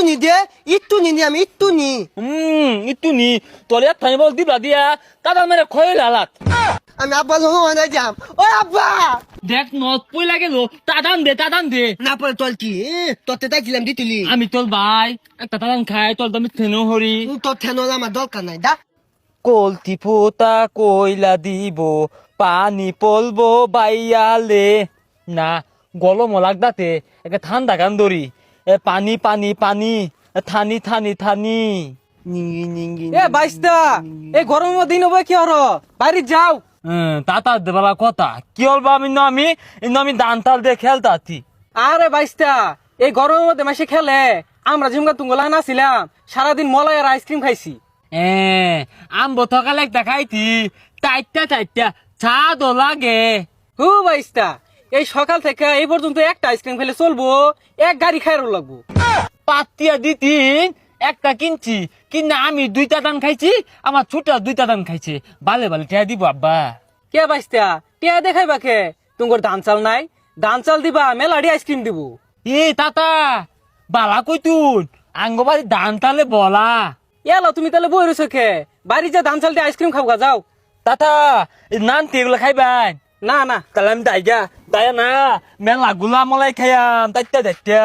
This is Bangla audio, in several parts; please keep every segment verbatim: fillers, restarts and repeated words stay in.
নি দে ইট্টু নি আমি ইট্টু নি হুম ইট্টু নি তোলে থানি বল দিবলা দিয়া দাদা মেরে খয়ে লালাত আমি আব্বা লোহ না যাম ও আব্বা দেখ নদ পই লাগে লো তাদান দে তাদান দে না পরে তোর কি তোতে তাইছিলাম দিতুলি আমি তোর ভাই একটা তাদান খাই তোর দামি থেনো হরি তোর ঠেনো আমার দরকার নাই দা কলতি ফোতা কইলা দিব পানি পলবো বাইয়ালে না গলম লাগদাতে একে ঠান্ডা গান ধরি এ পানি পানি পানি থানি থানি থানি নিঙ্গি নিঙ্গি এ বাইস্তা এই গরমের দিন হবে কি হলো বাইরে যাও। হ্যাঁ তাতা দেবালা কথা কি হলবা আমি না আমি ইন্ন আমি দান তাল দিয়ে খেলতাছি আরে বাইস্তা এই গরমের মধ্যে মাসে খেলে আমরা ঝিমকা তুঙ্গলা নাছিলাম সারাদিন মলাই আর আইসক্রিম খাইছি। হ্যাঁ আম বথকালে একটা খাইতি চারটা চারটা চা দো লাগে হু বাইস্তা এই সকাল থেকে এই পর্যন্ত একটা আইসক্রিম খেলে চলবো এক গাড়ি খাইরও লাগবো। পাতিয়া দিতিন একটা কিনছি কিনা আমি দুইটা দান খাইছি আমার ছোট দুইটা দান খাইছে বালে বালে টিয়া দিব আব্বা কে বাইস্তা টিয়া দেখাই বাকে তোমার ধান চাল নাই ধান চাল দিবা মেলাডি আইসক্রিম দিব। এ তাতা বালা কইতুন আঙ্গবাড়ি দান তালে বলা এলো তুমি তাহলে বই রয়েছো খে বাড়ি যা ধান চাল দিয়ে আইসক্রিম খাবো যাও। তাতা নান তেগুলো খাইবাই না না তাহলে আমি দাইগা দায়া না মেলা গুলা মলাই খাইয়াম তাইতা দাইতা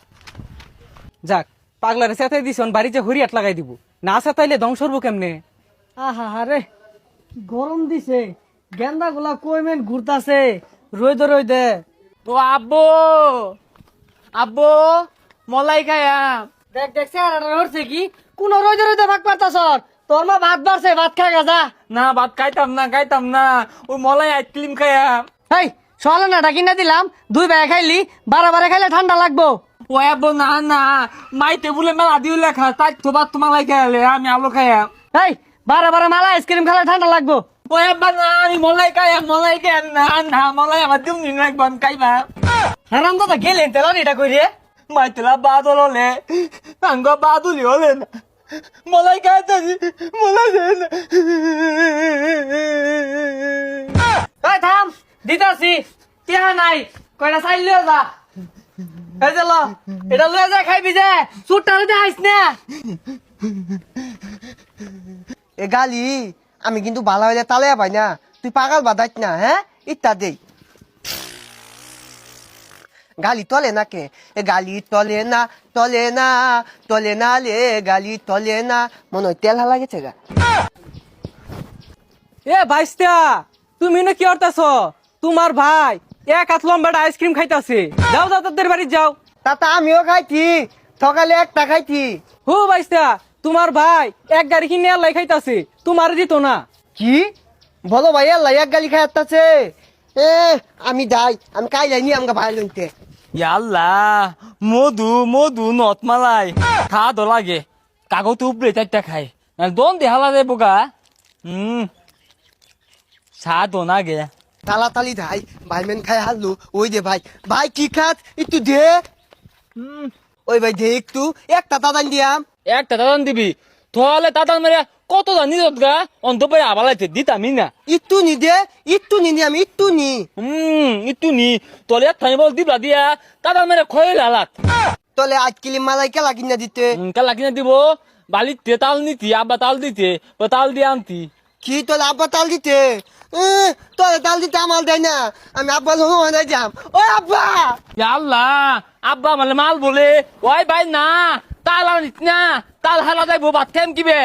যাক পাগলারে সেতাই দিছ বাড়ি যে হরিয়াট লাগাই দিব না সেতাইলে ধ্বংস হবো কেমনে। আহা হারে গরম দিছে গেন্দা গুলা কইমেন ঘুরতাছে রই দে রই দে তো আব্বু আব্বু মলাই খাইয়াম দেখ দেখ স্যার হচ্ছে কি কোন রই দে রই দে ভাগ পারতাছ তোর মা ভাত বাড়ছে ভাত খা গাজা না ভাত খাইতাম না খাইতাম না ওই মলাই আইসক্রিম খাইয়াম হেই সকালে না ডাকি না দিলাম দুই বেলা খাইলি বারে বারে খাইলে ঠান্ডা লাগবো। ও আব্বু না না মাই টেবুলে মেলা দিও লেখা তাই তো ভাত তোমার লাই খাইলে আমি আলো খাইয়াম হেই বারে বারে মালা আইসক্রিম খেলে ঠান্ডা লাগবো। ও আব্বা না আমি মলাই খাইয়াম মলাই খাইয়াম না না মলাই আমার দিম নি না একবার খাইবা হারাম দাদা গেলেন তেলান এটা কই রে মাই তেলা বাদল হলে আঙ্গ বাদুলি হলে না মলাই খাইতাছি মলাই খাই না এই থাম দিতাছি টিয়া নাই কয়টা চাইল লিও যা এই যে ল এটা লয়ে যা খাইবি যে সুটটা লইতে আইস না। এ গালি আমি কিন্তু ভালো হইলে তালে পাই না তুই পাগল বাদাইত না হ্যাঁ ইত্তা দেই গালি তলে না কে এ গালি তলে না তলে না তলে না লে গালি তলে না মনে হয় তেল হালা গেছে গা এ বাইস্তা তুমি না কি করতেছ তোমার ভাই এক হাত লম্বাটা আইসক্রিম খাইতাছে যাও যাও তাদের বাড়ি যাও। তাতা আমিও খাইছি সকালে একটা খাইছি হু বাইস্তা তোমার ভাই এক গাড়ি কিনে আল্লাহ খাইতাছে তোমার দিত না। কি বলো ভাই আল্লাহ এক গালি খাই আসতেছে এ আমি যাই আমি কাইলাই নি আমাকে ভাই লইতে ইয়াল্লা মধু মধু নত মালাই খা দো লাগে কাগজ উপরে চারটা খাই দন দেহালা দে বোকা হুম সা দো না গে তালাতালি ভাই ভাই মেন খাই হারলু ওই দে ভাই ভাই কি খাত একটু দে হুম ওই ভাই দে একটু একটা দাদান দিয়াম একটা দাদান দিবি তাহলে দাদান মেরে কত জানি গা অন্ত পাই আবালাইতে দিতামি না একটু নি দে একটু নি আমি একটু নি হুম ইতু নি তোলে থানি বল দিবলা দিয়া দাদান মেরে খয়ে লালাত তলে আজ কিলি মালাই কেলা কিনা দিতে কালা কিনে দিব বালিতে তাল নিতি আব্বা তাল দিতে ও তাল দিয়ে আনতি কি তোলে আব্বা তাল দিতে এ, তোলে তাল দিতে আমার দেয় না আমি আব্বা লোহ না যাম ও আব্বা আল্লাহ আব্বা মানে মাল বলে ওই ভাই না তাল আনিস না তাল হারা যাইবো ভাত খাইম কিবে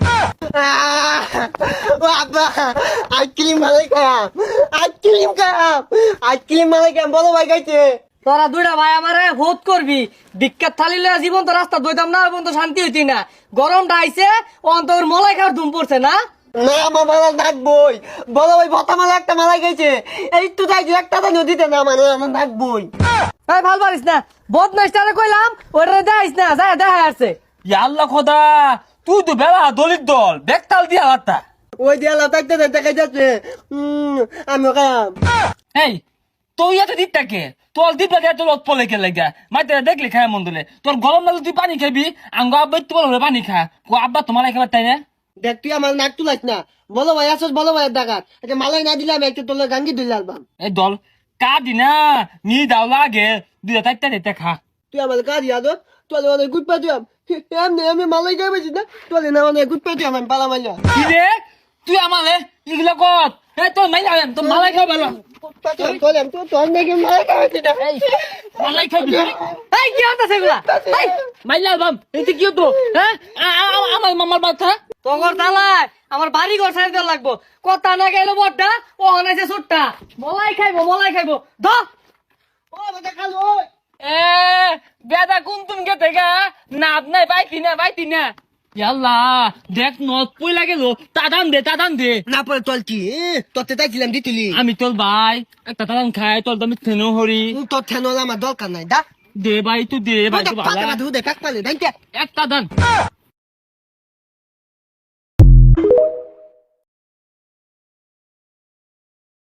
আহ, ও আব্বা আইসক্রিম মালাই খাম আইসক্রিম খাম আইসক্রিম মালাই খাম বলো ভাই খাইছে তোরা দুইটা ভাই আমারে ভোট করবি বিখ্যাত থালি লয়ে জীবন তো রাস্তা দইতাম না এবং তো শান্তি হইতি না গরমটা আইছে অন্তর মলাই খাওয়ার ধুম পড়ছে না। না আমার মালা নাকবই বলো ভাই ভতা মালা একটা মালাই গেছে এই তো যাই একটা তো নদীতে না মানে আমার নাকবই এই ভাল পারিস না বদমাইস্টারে কইলাম ওরে দেখাইস না যা দেখা আসছে। আল্লাহ খোদা তুই তো বেলা দলিত দল বেক তাল দিয়া লাতা ওই দেয়ালা থাকতে দেখা যাচ্ছে উম, আমিও খাম এই তুই এত দিকটাকে তোর দিপলা দিয়া তোর পলে কে লাগা মাইতে দেখলি খায় মন দিলে তোর গরম লাগলে তুই পানি খাবি আঙ্গ আব্বা তোমার হলে পানি খা ও আব্বা তোমার খাবার তাই না দেখ তুই আমার নাক তুলাইস না বলো ভাই আসস বলো ভাই ডাকাত একটা মালাই না দিলাম একটা তোর গাঙ্গি দিল আলবাম এই দল কাদি না নি দাও লাগে দুইটা চারটা দিতে খা তুই আমার কাজ ইয়াদ তোর অনেক গুড পা দিলাম এমনি আমি মালাই খাই বেশি না চলে না মানে গুড পেটি আমি পালা মাইলা কি রে তুই আমারে এগুলো কর এ তোর মাইলা তোর মালাই খাই ভালো চলে তো তোর নাকি মালাই খাই বেশি না এই মালাই খাই এই কি হতাছে এগুলা এই মাইলা বাম এতে কি হতো হ্যাঁ আ- আ- আমার মামার বাচ্চা তগর তালাই আমার বাড়ি ঘর সাইড দেওয়া লাগবো কথা না গেল বড়টা ও হনাইছে ছোটটা মলাই খাইবো মলাই খাইবো ধ ও বেটা খালো এ বেদা কোন তুমি গে থেকে না নাই পাইতি না পাইতি না ইয়াল্লা দেখ নত পই লাগে লো তাদান দে তাদান দে না পরে তোর কি তোরতে তাইছিলাম দিতিলি আমি তোর ভাই একটা তাদান খাই তোর দামি থেনো হরি তোর ঠেনল আমার দরকার নাই দা দে ভাই তুই দে ভাই তো ভালো পাতা ধু দে কাক পালে দাইতে একটা দান